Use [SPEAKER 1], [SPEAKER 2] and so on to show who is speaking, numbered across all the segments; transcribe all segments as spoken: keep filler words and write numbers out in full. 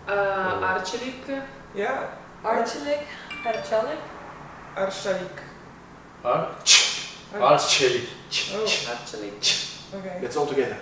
[SPEAKER 1] Uh, Arçelik.
[SPEAKER 2] Yeah.
[SPEAKER 3] Arçelik. Arçelik.
[SPEAKER 2] Arçelik.
[SPEAKER 4] Arç. Arçelik.
[SPEAKER 2] Oh,
[SPEAKER 1] Arçelik.
[SPEAKER 2] okay.
[SPEAKER 5] Let's all together.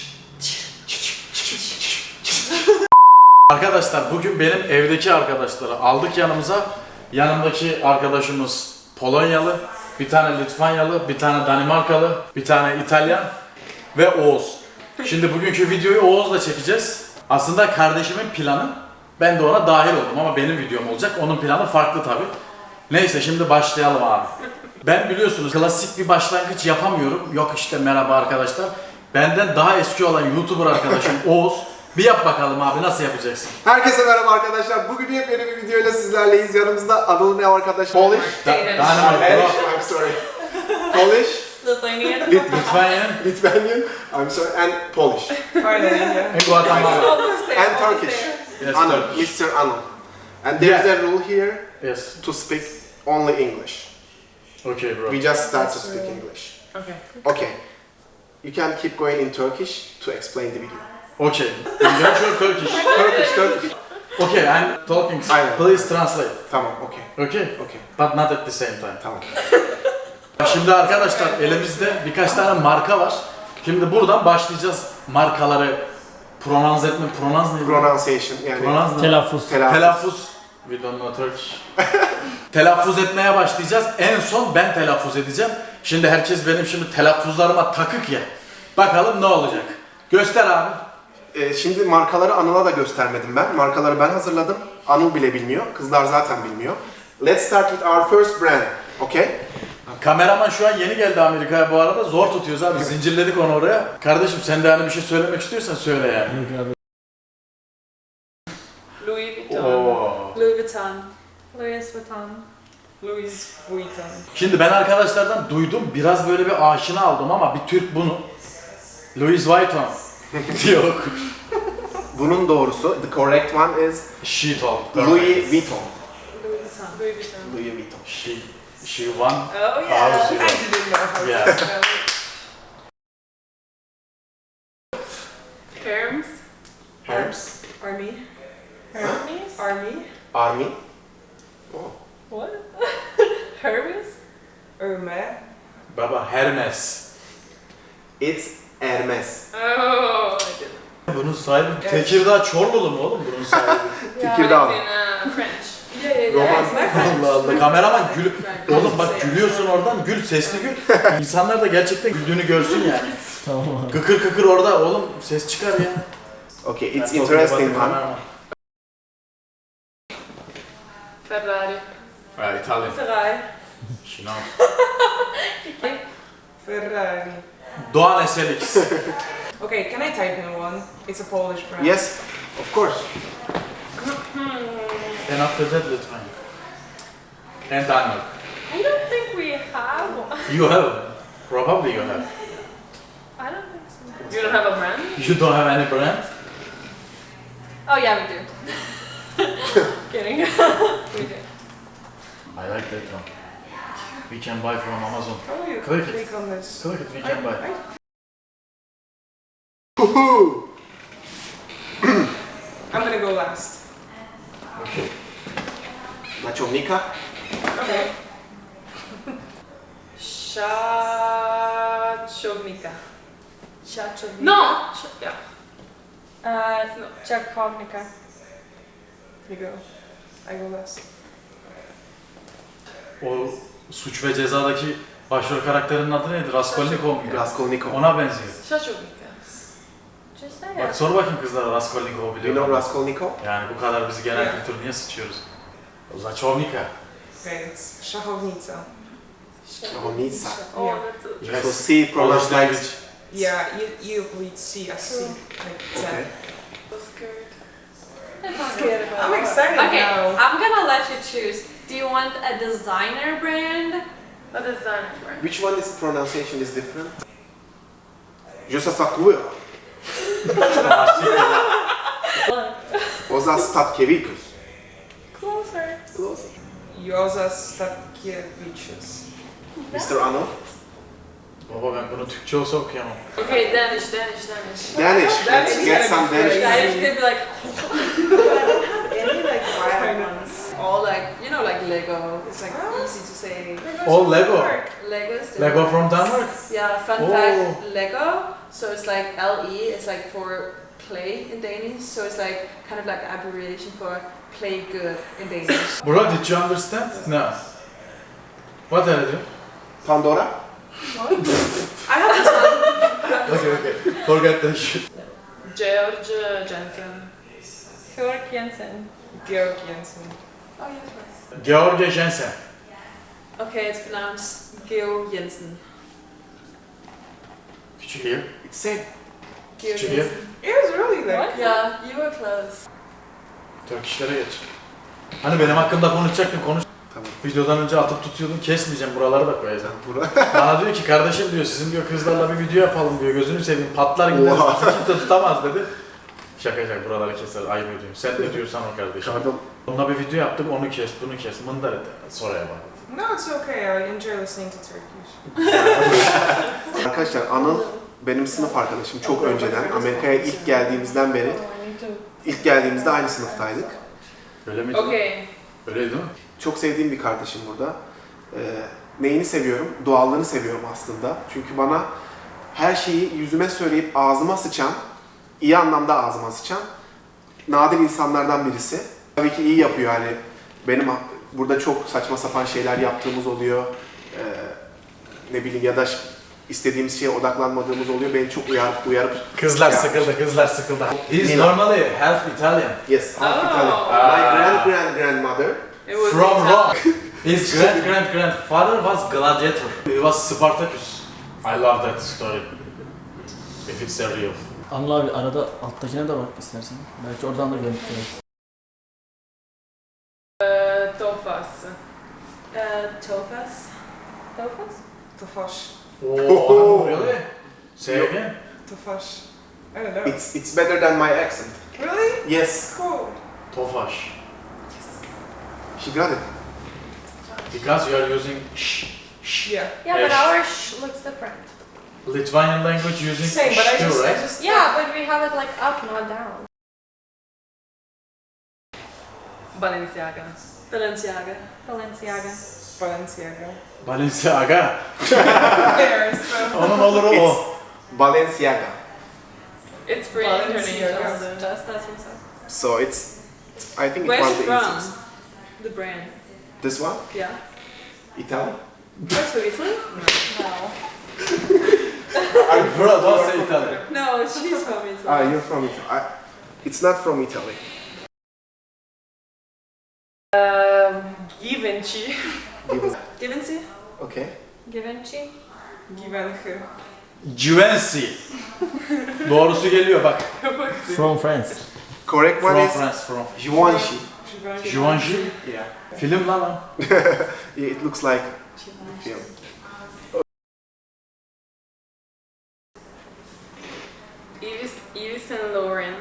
[SPEAKER 4] Arkadaşlar bugün benim evdeki arkadaşları aldık yanımıza. Yanımdaki arkadaşımız Polonyalı, bir tane Litvanyalı, bir tane Danimarkalı, bir tane İtalyan ve Oğuz. Şimdi bugünkü videoyu Oğuz'la çekeceğiz. Aslında kardeşimin planı, ben de ona dahil oldum ama benim videom olacak. Onun planı farklı tabii. Neyse şimdi başlayalım abi. Ben biliyorsunuz klasik bir başlangıç yapamıyorum. Yok işte merhaba arkadaşlar. Benden daha eski olan YouTuber arkadaşım Oğuz. Bir yap bakalım abi, nasıl yapacaksın?
[SPEAKER 5] Herkese merhaba arkadaşlar. Bugün yepyeni bir videoyla sizlerleyiz. Yanımızda Anıl'ın ev arkadaşı Polish.
[SPEAKER 1] Danish.
[SPEAKER 4] Danimarka,
[SPEAKER 5] I'm sorry. Polish,
[SPEAKER 1] Lithuanian.
[SPEAKER 5] Lit
[SPEAKER 4] Litvanyan,
[SPEAKER 5] Lithuanian, I'm sorry, and Polish.
[SPEAKER 2] Finally, yeah.
[SPEAKER 4] and Guatemala.
[SPEAKER 1] Almost there.
[SPEAKER 5] And
[SPEAKER 1] almost
[SPEAKER 5] Turkish.
[SPEAKER 1] there.
[SPEAKER 4] Yes,
[SPEAKER 5] Anıl,
[SPEAKER 4] Turkish.
[SPEAKER 5] mister Anıl. And there's
[SPEAKER 4] Yeah.
[SPEAKER 5] a rule here
[SPEAKER 4] Yes.
[SPEAKER 5] to speak only English.
[SPEAKER 4] Okay bro.
[SPEAKER 5] We just start to speak English.
[SPEAKER 1] Okay.
[SPEAKER 5] Okay. You can keep going in Turkish to explain the video.
[SPEAKER 4] Okay. English or Turkish?
[SPEAKER 5] Turkish, Turkish.
[SPEAKER 4] Okay, I'm talking.
[SPEAKER 5] Aynen.
[SPEAKER 4] Please translate.
[SPEAKER 5] Tamam, okay.
[SPEAKER 4] Okay?
[SPEAKER 5] Okay.
[SPEAKER 4] But not at the same time.
[SPEAKER 5] Tamam.
[SPEAKER 4] Şimdi arkadaşlar elimizde birkaç tane marka var. Şimdi buradan başlayacağız markaları pronouns etme, pronouns neydi?
[SPEAKER 5] Pronunciation yani.
[SPEAKER 4] Pronouns ne?
[SPEAKER 6] Telaffuz.
[SPEAKER 5] Telaffuz.
[SPEAKER 4] Telaffuz. We don't know Turkish. Telaffuz etmeye başlayacağız. En son ben telaffuz edeceğim. Şimdi herkes benim şimdi telaffuzlarıma takık ya. Bakalım ne olacak. Göster abi.
[SPEAKER 5] Ee, şimdi markaları Anıl'a da göstermedim ben. Markaları ben hazırladım. Anıl bile bilmiyor. Kızlar zaten bilmiyor. Let's start with our first brand. Okay?
[SPEAKER 4] Kameraman şu an yeni geldi Amerika'ya bu arada. Zor tutuyoruz abi. Zincirledik onu oraya. Kardeşim sen de hani bir şey söylemek istiyorsan söyle yani.
[SPEAKER 1] Louis Vuitton.
[SPEAKER 4] Oo.
[SPEAKER 3] Louis Vuitton. Louis Vuitton.
[SPEAKER 2] Louis Vuitton.
[SPEAKER 4] Şimdi ben arkadaşlardan duydum. Biraz böyle bir aşina aldım ama bir Türk bunu. Louis Vuitton. Yok.
[SPEAKER 5] Bunun doğrusu, the correct one is
[SPEAKER 4] She told.
[SPEAKER 5] Louis Vuitton.
[SPEAKER 3] Louis Vuitton.
[SPEAKER 1] Louis Vuitton.
[SPEAKER 5] Louis Vuitton.
[SPEAKER 4] She, she won.
[SPEAKER 1] Oh
[SPEAKER 4] Our
[SPEAKER 1] yeah.
[SPEAKER 4] zero.
[SPEAKER 2] I didn't know how
[SPEAKER 4] Yeah.
[SPEAKER 2] to spell it.
[SPEAKER 1] Hermes.
[SPEAKER 5] Hermes.
[SPEAKER 3] Army.
[SPEAKER 1] Hermes.
[SPEAKER 3] Army.
[SPEAKER 5] Army. Oh.
[SPEAKER 1] What? Hermes.
[SPEAKER 2] Hermes.
[SPEAKER 4] Baba Hermes.
[SPEAKER 5] It's Hermes.
[SPEAKER 1] Oh, I didn't.
[SPEAKER 4] Bunun sahibi Tekirdağ Çorlulu mu oğlum bunun sahibi?
[SPEAKER 5] Tekirdağ.
[SPEAKER 1] It's in uh, French.
[SPEAKER 3] Yeah, yeah,
[SPEAKER 5] Roman.
[SPEAKER 3] yeah. It's my friend.
[SPEAKER 4] Allah Allah. Kameraman gül. Oğlum bak gülüyorsun oradan. Gül, sesli gül. İnsanlar da gerçekten güldüğünü görsün yani.
[SPEAKER 6] Tamam abi.
[SPEAKER 4] Kıkır kıkır orada oğlum ses çıkar ya.
[SPEAKER 5] Okay, it's
[SPEAKER 4] Ben
[SPEAKER 5] interesting
[SPEAKER 4] bakın,
[SPEAKER 5] one.
[SPEAKER 4] kameraman.
[SPEAKER 1] Ferrari.
[SPEAKER 4] Ha, İtalyan.
[SPEAKER 3] Ferrari.
[SPEAKER 4] She knows.
[SPEAKER 2] Ferrari.
[SPEAKER 4] Doğan S L X.
[SPEAKER 2] Okay, can I type in one? It's a Polish brand.
[SPEAKER 5] Yes, of course.
[SPEAKER 4] And after that Lithuania. And Denmark.
[SPEAKER 3] I don't think we have one.
[SPEAKER 4] You have. Probably you have.
[SPEAKER 3] I don't think so.
[SPEAKER 1] You don't have a brand?
[SPEAKER 4] You don't have any brand?
[SPEAKER 3] Oh yeah, we do. Kidding. We do.
[SPEAKER 4] I like that one. We can buy from Amazon.
[SPEAKER 2] How do you
[SPEAKER 4] Click it.
[SPEAKER 2] click on this?
[SPEAKER 4] Click it, we can buy.
[SPEAKER 2] I,
[SPEAKER 5] Woohoo!
[SPEAKER 2] I'm gonna go last.
[SPEAKER 4] Okay.
[SPEAKER 5] Nachovnika.
[SPEAKER 2] Okay.
[SPEAKER 1] Shachovnika.
[SPEAKER 3] Chachovnica.
[SPEAKER 1] No! Sh- yeah.
[SPEAKER 3] Uh,
[SPEAKER 1] No.
[SPEAKER 3] Chakovnica.
[SPEAKER 2] You go. I go last.
[SPEAKER 4] O Suç ve Ceza'daki başrol karakterinin adı neydi? Raskolnikov muydu?
[SPEAKER 5] Raskolnikov.
[SPEAKER 4] Ona benziyor.
[SPEAKER 1] Shachovnika.
[SPEAKER 3] Just say
[SPEAKER 4] Bak
[SPEAKER 3] it.
[SPEAKER 4] sor bakayım kızlara Raskolnikov biliyor
[SPEAKER 5] You know
[SPEAKER 4] mu?
[SPEAKER 5] Raskolnikov?
[SPEAKER 4] Yani bu kadar biz genel
[SPEAKER 2] Yeah.
[SPEAKER 4] kültür niye sıçıyoruz? O Zachovnika.
[SPEAKER 2] Okay, it's Szachownica.
[SPEAKER 5] Szachownica.
[SPEAKER 1] Oh,
[SPEAKER 2] Yeah.
[SPEAKER 1] that's a...
[SPEAKER 5] You will see pronounced like
[SPEAKER 4] language.
[SPEAKER 2] Yeah, you, you read C as C. Like
[SPEAKER 5] Okay.
[SPEAKER 2] ten.
[SPEAKER 1] so scared.
[SPEAKER 3] I'm scared about
[SPEAKER 2] I'm
[SPEAKER 3] it.
[SPEAKER 2] excited
[SPEAKER 3] Okay,
[SPEAKER 2] now.
[SPEAKER 3] I'm gonna let you choose. Do you want a designer brand?
[SPEAKER 1] A designer brand.
[SPEAKER 5] Which one is pronunciation is different? Je se sakuje. Oza Statkevikus.
[SPEAKER 3] Closer.
[SPEAKER 5] Close.
[SPEAKER 2] Joza Statkiewicz.
[SPEAKER 5] mister Anıl.
[SPEAKER 4] Baba ben bunu Türkçe olsa okuyamam.
[SPEAKER 1] Okay, Danish, Danish, Danish.
[SPEAKER 5] Danish. Let's get some Danish.
[SPEAKER 3] Yeah, I just gonna be like. Lego. It's like
[SPEAKER 2] Oh.
[SPEAKER 3] easy to say.
[SPEAKER 4] Oh, Lego.
[SPEAKER 3] Lego is the
[SPEAKER 4] Lego from Denmark.
[SPEAKER 3] Yeah, fun
[SPEAKER 4] Oh.
[SPEAKER 3] fact, Lego, so it's like L E is like for play in Danish, so it's like kind of like an abbreviation for play good in Danish.
[SPEAKER 4] Bro, did you understand? No. What are you?
[SPEAKER 5] Pandora?
[SPEAKER 3] I have this one.
[SPEAKER 4] Okay, okay. Forget that shit.
[SPEAKER 1] George Jensen.
[SPEAKER 3] Georg Jensen.
[SPEAKER 2] Georg Jensen.
[SPEAKER 3] Oh, yes,
[SPEAKER 4] George Jensen.
[SPEAKER 3] okay, it's pronounced Georg Jensen.
[SPEAKER 4] Did you hear?
[SPEAKER 5] It's same.
[SPEAKER 3] Georg
[SPEAKER 4] Did you hear?
[SPEAKER 3] Jensen.
[SPEAKER 2] It was really like.
[SPEAKER 3] Yeah, you were close.
[SPEAKER 4] Turkishlere geç. Hani benim hakkımda konuşacaktın, konuş.
[SPEAKER 5] Tamam.
[SPEAKER 4] Videodan önce atıp tutuyordun, kesmeyeceğim, buraları da koyacağım.
[SPEAKER 5] Bura.
[SPEAKER 4] Bana diyor ki kardeşim diyor, sizin diyor kızlarla bir video yapalım diyor, gözünü seveyim, patlar gideriz,
[SPEAKER 5] Oha.
[SPEAKER 4] bizi kimse tutamaz dedi. Şaka şaka, buraları keser, ayıp ediyorum. Sen ne diyorsan o kardeşim.
[SPEAKER 5] Pardon.
[SPEAKER 4] Onunla bir video yaptık, onu kes, bunu kes, mındar et, sonraya bak.
[SPEAKER 2] No, it's okay. I enjoy listening to Turkish.
[SPEAKER 5] Arkadaşlar Anıl benim sınıf arkadaşım çok önceden. Amerika'ya ilk geldiğimizden beri. İlk geldiğimizde aynı sınıftaydık.
[SPEAKER 4] Öyle miydi?
[SPEAKER 1] Okay.
[SPEAKER 4] Öyleydi değil mi?
[SPEAKER 5] Çok sevdiğim bir kardeşim burada. Ee, neyini seviyorum? Doğallığını seviyorum aslında. Çünkü bana her şeyi yüzüme söyleyip ağzıma sıçan, iyi anlamda ağzıma sıçan nadir insanlardan birisi. Tabii ki iyi yapıyor hani. Benim burada çok saçma sapan şeyler yaptığımız oluyor. Ee, ne bileyim ya da istediğimiz şeye odaklanmadığımız oluyor. Beni çok uyarıp uyarıp
[SPEAKER 4] Kızlar
[SPEAKER 5] Ya.
[SPEAKER 4] sıkıldı, kızlar sıkıldı. He's
[SPEAKER 5] Nina.
[SPEAKER 4] normally half Italian.
[SPEAKER 5] yes, half
[SPEAKER 1] Oh.
[SPEAKER 5] Italian.
[SPEAKER 4] Ah.
[SPEAKER 5] My grand grand grandmother.
[SPEAKER 1] It was
[SPEAKER 4] From
[SPEAKER 1] Italian.
[SPEAKER 4] Rome. His great great grandfather was gladiator. He was Spartacus. I love that story. If it's a real.
[SPEAKER 6] Anıl abi arada alttakine de bak istersen. Belki oradan da görüntü görürüz.
[SPEAKER 1] Uh, Tofas.
[SPEAKER 3] Uh, Tofas. Tofas?
[SPEAKER 2] Tofaş.
[SPEAKER 4] Oh, really? Say again.
[SPEAKER 2] Tofaş. I don't know.
[SPEAKER 5] It's it's better than my accent.
[SPEAKER 2] Really?
[SPEAKER 5] Yes,
[SPEAKER 2] Cool.
[SPEAKER 4] Tofaş.
[SPEAKER 5] she got it.
[SPEAKER 4] Because you are using sh, sh.
[SPEAKER 2] Yeah.
[SPEAKER 3] Yeah, but
[SPEAKER 4] Eş.
[SPEAKER 3] our sh looks different.
[SPEAKER 4] Lithuanian language using
[SPEAKER 2] Same, but I
[SPEAKER 4] sh too,
[SPEAKER 2] just, I
[SPEAKER 4] right?
[SPEAKER 2] just.
[SPEAKER 3] Yeah, but we have it like up, not down.
[SPEAKER 1] Balenciaga.
[SPEAKER 3] Balenciaga. Balenciaga.
[SPEAKER 2] Balenciaga.
[SPEAKER 4] Balenciaga.
[SPEAKER 2] There, so.
[SPEAKER 4] Onun olur o.
[SPEAKER 5] It's Balenciaga.
[SPEAKER 1] It's pretty
[SPEAKER 2] Balenciaga.
[SPEAKER 1] international.
[SPEAKER 3] Just that's what's up.
[SPEAKER 5] So it's, I think
[SPEAKER 3] Where's
[SPEAKER 5] it
[SPEAKER 3] it
[SPEAKER 5] was the
[SPEAKER 3] from?
[SPEAKER 5] easiest.
[SPEAKER 3] The brand.
[SPEAKER 5] This one?
[SPEAKER 3] Yeah.
[SPEAKER 5] Italy?
[SPEAKER 3] That's from Italy? No.
[SPEAKER 4] Bro, don't say Italian.
[SPEAKER 3] No, she's from Italy.
[SPEAKER 5] Ah, you're from Italy. I, it's not from Italy.
[SPEAKER 1] Um, Givenchy.
[SPEAKER 5] Given-
[SPEAKER 3] Givenchy?
[SPEAKER 5] Okay.
[SPEAKER 3] Givenchy?
[SPEAKER 2] Givenchy.
[SPEAKER 4] Givenchy. Doğrusu geliyor bak.
[SPEAKER 6] From France.
[SPEAKER 5] Correct one
[SPEAKER 4] From
[SPEAKER 5] is
[SPEAKER 4] France, from
[SPEAKER 5] Givenchy.
[SPEAKER 2] Givenchy.
[SPEAKER 4] Givenchy.
[SPEAKER 5] Yeah.
[SPEAKER 4] Film lan o.
[SPEAKER 5] Yeah, it looks like film.
[SPEAKER 1] Yves, Yves Saint Laurent.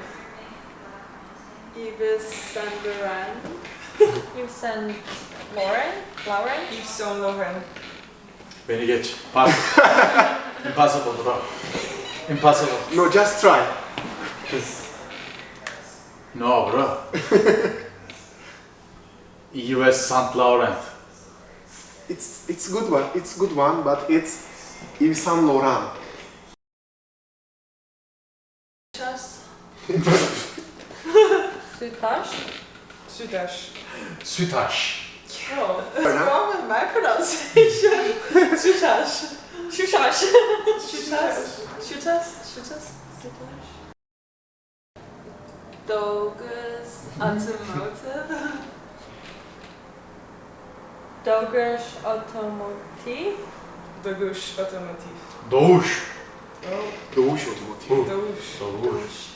[SPEAKER 3] Yves Saint Laurent. Yves Saint Laurent? Laurent?
[SPEAKER 2] Yves Saint Laurent.
[SPEAKER 4] Beni geç. Pas. Impossible bro. Impossible.
[SPEAKER 5] No, just try.
[SPEAKER 4] No bro. Yves Saint Laurent.
[SPEAKER 5] It's it's good one. It's good one, but it's Yves Saint Laurent.
[SPEAKER 3] Chas. Sütaş?
[SPEAKER 2] Sudash.
[SPEAKER 4] Sütaş.
[SPEAKER 3] Oh, what's wrong with my pronunciation? Sütaş. Sütaş. Sütaş. Sütaş. Sütaş. Sütaş. Dogus Automotive. Dogus Automotive.
[SPEAKER 2] Dogush Automotive.
[SPEAKER 4] Doğuş.
[SPEAKER 2] Oh,
[SPEAKER 5] Doğuş Otomotiv.
[SPEAKER 2] Dogush.
[SPEAKER 4] Doğuş.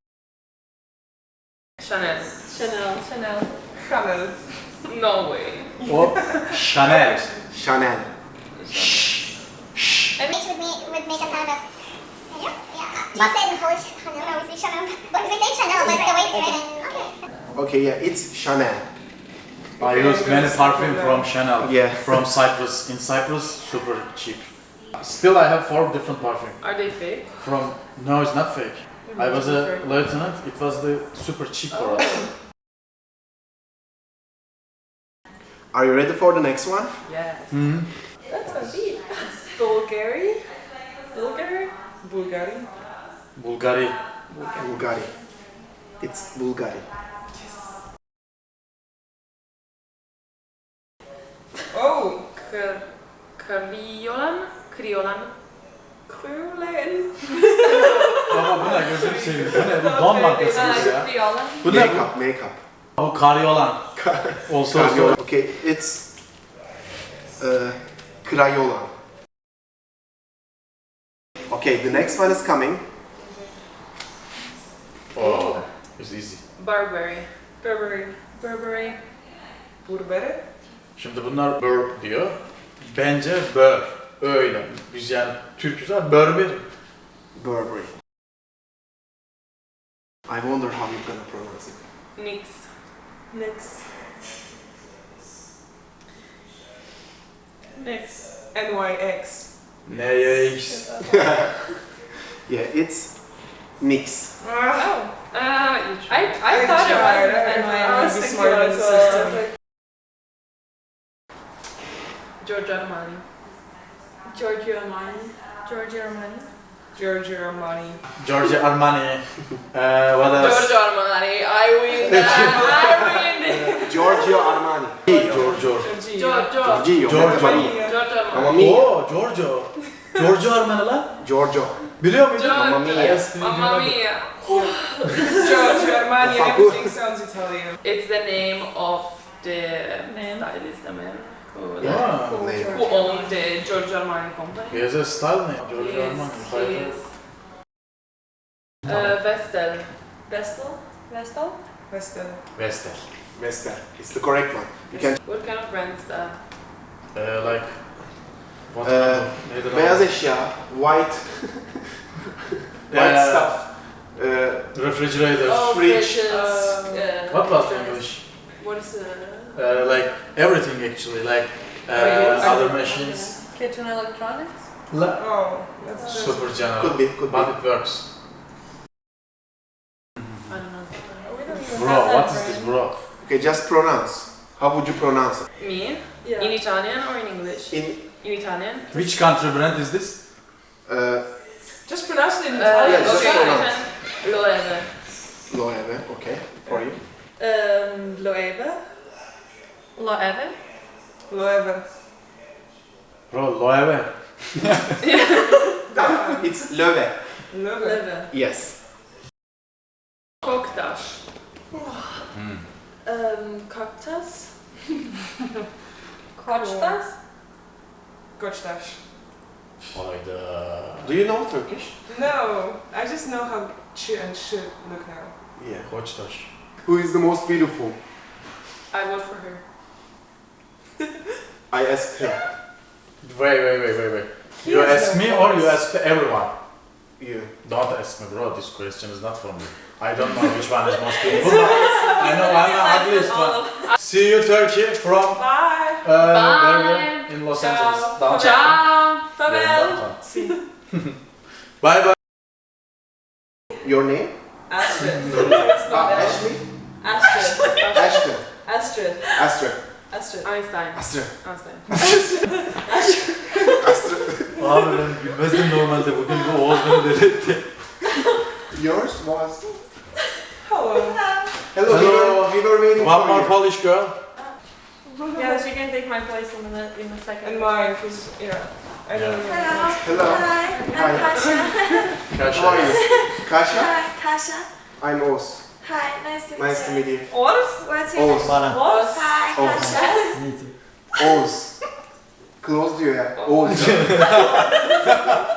[SPEAKER 1] Chanel.
[SPEAKER 3] Chanel. Chanel.
[SPEAKER 2] Chanel.
[SPEAKER 1] No way.
[SPEAKER 4] O Chanel.
[SPEAKER 5] Chanel.
[SPEAKER 3] I mean,
[SPEAKER 7] H would, make, would make a sound of. Yeah. You said Polish Chanel. No, we say Chanel. But we say Chanel, but the way it's written. Okay.
[SPEAKER 5] Okay, yeah, it's Chanel.
[SPEAKER 4] I use many perfume from Chanel.
[SPEAKER 5] Yeah.
[SPEAKER 4] From Cyprus. In Cyprus, super cheap. Still, I have four different perfume.
[SPEAKER 1] Are they fake?
[SPEAKER 4] From no, it's not fake. I was a lieutenant. It was the super cheap for us.
[SPEAKER 5] Are you ready for the next one?
[SPEAKER 1] Yes.
[SPEAKER 4] Hı.
[SPEAKER 3] That's a beat.
[SPEAKER 1] Bulgari.
[SPEAKER 3] Bulgari?
[SPEAKER 2] Bulgari.
[SPEAKER 4] Bulgari.
[SPEAKER 5] Bulgari. It's Bulgari.
[SPEAKER 2] Oh,
[SPEAKER 1] Kr- Kriolan. Kriolan.
[SPEAKER 3] Kriolan.
[SPEAKER 4] Baba bu ne gözünü seveyim. Bu ne? Bu don markasınız ya.
[SPEAKER 3] Kriolan.
[SPEAKER 4] Bu ne bu?
[SPEAKER 5] Makeup, makeup.
[SPEAKER 4] Bu karyolan. Olsa olsa.
[SPEAKER 5] Crayola. Okay, it's uh, Crayola. Okay, the next one is coming.
[SPEAKER 4] Oh, it's easy.
[SPEAKER 1] Burberry.
[SPEAKER 3] Burberry. Burberry.
[SPEAKER 2] Burberry.
[SPEAKER 4] Şimdi bunlar burp diyor. Bence bör. Öyle. Biz yani Türk'üz ama Burberry.
[SPEAKER 5] Burberry. I wonder how you're gonna pronounce it.
[SPEAKER 1] Nix.
[SPEAKER 3] Next.
[SPEAKER 2] Next. N Y X.
[SPEAKER 4] Neyiz?
[SPEAKER 5] Yeah, it's Nix.
[SPEAKER 2] Ah,
[SPEAKER 1] Ah, you
[SPEAKER 3] I,
[SPEAKER 1] tried.
[SPEAKER 3] I,
[SPEAKER 2] I
[SPEAKER 3] thought
[SPEAKER 2] tried.
[SPEAKER 3] it was
[SPEAKER 2] I-
[SPEAKER 3] N Y X.
[SPEAKER 2] I was thinking smarter than the system.
[SPEAKER 1] Giorgio Armani.
[SPEAKER 3] Giorgio Armani. Giorgio Armani.
[SPEAKER 2] Giorgio Armani.
[SPEAKER 4] Giorgio Armani. Uh, what else?
[SPEAKER 1] Giorgio Armani. I win that. I win.
[SPEAKER 5] Giorgio Armani.
[SPEAKER 4] Giorgio.
[SPEAKER 2] Giorgio.
[SPEAKER 1] Giorgio.
[SPEAKER 5] Giorgio.
[SPEAKER 4] Giorgio.
[SPEAKER 5] Mamma
[SPEAKER 1] Giorgio Armani.
[SPEAKER 5] Mamma mia.
[SPEAKER 4] Oo, Giorgio. Giorgio Armani lan.
[SPEAKER 5] Giorgio.
[SPEAKER 4] Biliyor muydun?
[SPEAKER 5] Mamma mia.
[SPEAKER 1] Mamma mia.
[SPEAKER 2] Giorgio Armani and
[SPEAKER 5] Facu.
[SPEAKER 2] everything sounds Italian.
[SPEAKER 1] It's the name of the
[SPEAKER 3] Man.
[SPEAKER 1] stylist, the man who,
[SPEAKER 5] Yeah.
[SPEAKER 3] Cool.
[SPEAKER 5] Name.
[SPEAKER 1] who owned the Giorgio Armani company.
[SPEAKER 4] He has a style name. Giorgio
[SPEAKER 1] Yes,
[SPEAKER 4] Armani.
[SPEAKER 1] he is. Uh, Vestel.
[SPEAKER 3] Vestel. Vestel.
[SPEAKER 2] Vestel.
[SPEAKER 4] Vestel.
[SPEAKER 5] Vestel. It's the correct one. You can.
[SPEAKER 1] What kind of brand is that?
[SPEAKER 4] Uh, like what
[SPEAKER 5] Uh,
[SPEAKER 4] kind of- neydi lan?
[SPEAKER 5] Beyaz eşya. White. White
[SPEAKER 4] Uh,
[SPEAKER 5] stuff. Uh,
[SPEAKER 4] Refrigerator.
[SPEAKER 1] Oh,
[SPEAKER 5] fridge.
[SPEAKER 1] fridges.
[SPEAKER 3] Uh,
[SPEAKER 1] uh,
[SPEAKER 4] What was
[SPEAKER 1] fridges.
[SPEAKER 4] English?
[SPEAKER 1] What is it?
[SPEAKER 4] Uh, like everything actually, like uh,
[SPEAKER 1] Oh, yes.
[SPEAKER 4] other machines.
[SPEAKER 3] Kitchen electronics.
[SPEAKER 4] La-
[SPEAKER 2] Oh, that's just.
[SPEAKER 4] Super general,
[SPEAKER 5] could be. Could be.
[SPEAKER 4] but it works.
[SPEAKER 1] I don't know.
[SPEAKER 3] We don't even
[SPEAKER 4] Bro,
[SPEAKER 3] have that
[SPEAKER 4] what is
[SPEAKER 3] brand.
[SPEAKER 4] this, bro?
[SPEAKER 5] Okay, just pronounce. How would you pronounce it?
[SPEAKER 1] Me?
[SPEAKER 3] Yeah.
[SPEAKER 1] In Italian or in English?
[SPEAKER 5] In
[SPEAKER 1] In Italian?
[SPEAKER 4] Which country brand is this?
[SPEAKER 5] uh,
[SPEAKER 2] Just pronounce it in
[SPEAKER 1] Uh,
[SPEAKER 2] Italian.
[SPEAKER 5] Yeah, just
[SPEAKER 1] okay,
[SPEAKER 5] pronounce.
[SPEAKER 1] then Loewe.
[SPEAKER 5] Loewe. Okay, for you.
[SPEAKER 3] Um, Loewe. Loewe.
[SPEAKER 2] Loewe.
[SPEAKER 4] Bro, Loewe.
[SPEAKER 5] It's Loewe.
[SPEAKER 2] Loewe.
[SPEAKER 3] Loewe.
[SPEAKER 5] Yes.
[SPEAKER 1] Koktaş.
[SPEAKER 3] Um, Cocktails. Koçtas.
[SPEAKER 2] Koçtaş.
[SPEAKER 4] Hayda.
[SPEAKER 5] Do you know Turkish?
[SPEAKER 2] No, I just know how ch and sh look now.
[SPEAKER 5] Yeah.
[SPEAKER 4] Koçtaş.
[SPEAKER 5] Who is the most beautiful?
[SPEAKER 1] I vote for her.
[SPEAKER 5] I asked him.
[SPEAKER 4] Wait, wait, wait, wait, wait.
[SPEAKER 2] He
[SPEAKER 4] You
[SPEAKER 2] has
[SPEAKER 4] ask
[SPEAKER 2] no
[SPEAKER 4] me or you
[SPEAKER 2] voice.
[SPEAKER 4] ask everyone?
[SPEAKER 5] You.
[SPEAKER 4] Don't ask me, bro. This question is not for me. I don't know which one is most beautiful. I know I'm the ugliest one. See you, Turkey, from
[SPEAKER 2] Bye.
[SPEAKER 4] uh, where we
[SPEAKER 1] Bye.
[SPEAKER 4] are? In Los
[SPEAKER 1] Ciao.
[SPEAKER 4] Angeles. Downtown.
[SPEAKER 1] Ciao.
[SPEAKER 4] Yeah, downtown. Bye bye.
[SPEAKER 5] Your name?
[SPEAKER 3] Astrid.
[SPEAKER 5] Ah, Ashley?
[SPEAKER 3] Astrid.
[SPEAKER 5] Ashton.
[SPEAKER 3] Astrid.
[SPEAKER 5] Astrid.
[SPEAKER 3] Astrid.
[SPEAKER 1] Einstein.
[SPEAKER 5] Astrid.
[SPEAKER 1] Einstein.
[SPEAKER 5] Astrid.
[SPEAKER 4] Abi ben gülmezdim normalde. Bugün bu Oğuz beni deli etti.
[SPEAKER 5] Yours was.
[SPEAKER 2] Hello.
[SPEAKER 5] Hello. We were, we were waiting
[SPEAKER 4] One
[SPEAKER 5] for
[SPEAKER 4] more
[SPEAKER 5] you.
[SPEAKER 4] Polish girl.
[SPEAKER 3] Yeah, she can take my place in a, in a second.
[SPEAKER 2] And mine, because, yeah. I don't
[SPEAKER 4] Yeah.
[SPEAKER 2] even know.
[SPEAKER 5] Hello.
[SPEAKER 8] Hi,
[SPEAKER 5] Hi.
[SPEAKER 8] I'm Kasha.
[SPEAKER 4] Kaşa.
[SPEAKER 5] How are you? Kasha?
[SPEAKER 8] Hi, Kasha.
[SPEAKER 5] I'm Oz.
[SPEAKER 8] Hi, nice to meet
[SPEAKER 5] Nice to
[SPEAKER 8] you.
[SPEAKER 5] meet you.
[SPEAKER 2] What?
[SPEAKER 8] What's your name?
[SPEAKER 5] Oz.
[SPEAKER 6] Bana.
[SPEAKER 8] Hi,
[SPEAKER 5] Oh.
[SPEAKER 8] Kasha.
[SPEAKER 6] Neydi?
[SPEAKER 5] Oz. Close diyor ya. Oz.